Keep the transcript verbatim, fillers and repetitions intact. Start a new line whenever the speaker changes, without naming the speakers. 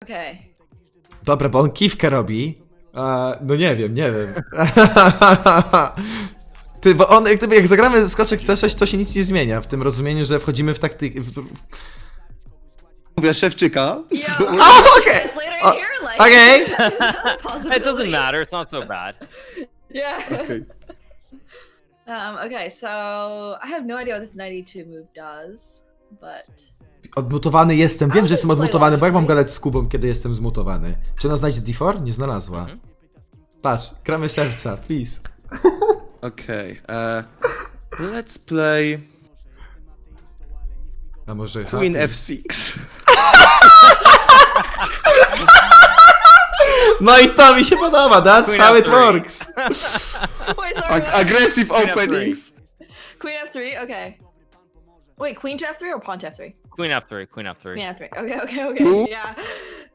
Okay.
Dobra, bo on kiwkę robi. A, no nie wiem, nie wiem. Ty, bo on, jak, jak zagramy skoczek C sześć, to się nic nie zmienia. W tym rozumieniu, że wchodzimy w taktykę. W...
Mówię Szewczyka.
Yo,
Oh, okay.
translator
Oh,
here, like,
okay.
is that a
It
possibility?
doesn't matter. It's not so bad.
Yeah.
Okay.
Um, okay, so I have no idea what this ninety-two move does, but
Odmutowany jestem. Wiem,
A,
że jestem
to jest
odmutowany, bo jak mam
play
gadać z Kubą, kiedy jestem zmutowany? Czy ona znajdzie D cztery? Nie znalazła.
Mhm.
Patrz, gramy serca, please.
Okej. Okay, let's play
A może
Queen
H-
F six.
No i to mi się podoba, that's
Queen
how
F
it
three.
works.
wait, sorry,
Ag
what?
aggressive
Queen F three.
openings.
Queen F three. Okay. Wait, Queen to F three or Pawn to F three?
Queen F three. Queen F three.
Queen F three. Okay, okay, okay.
Ooh.
Yeah.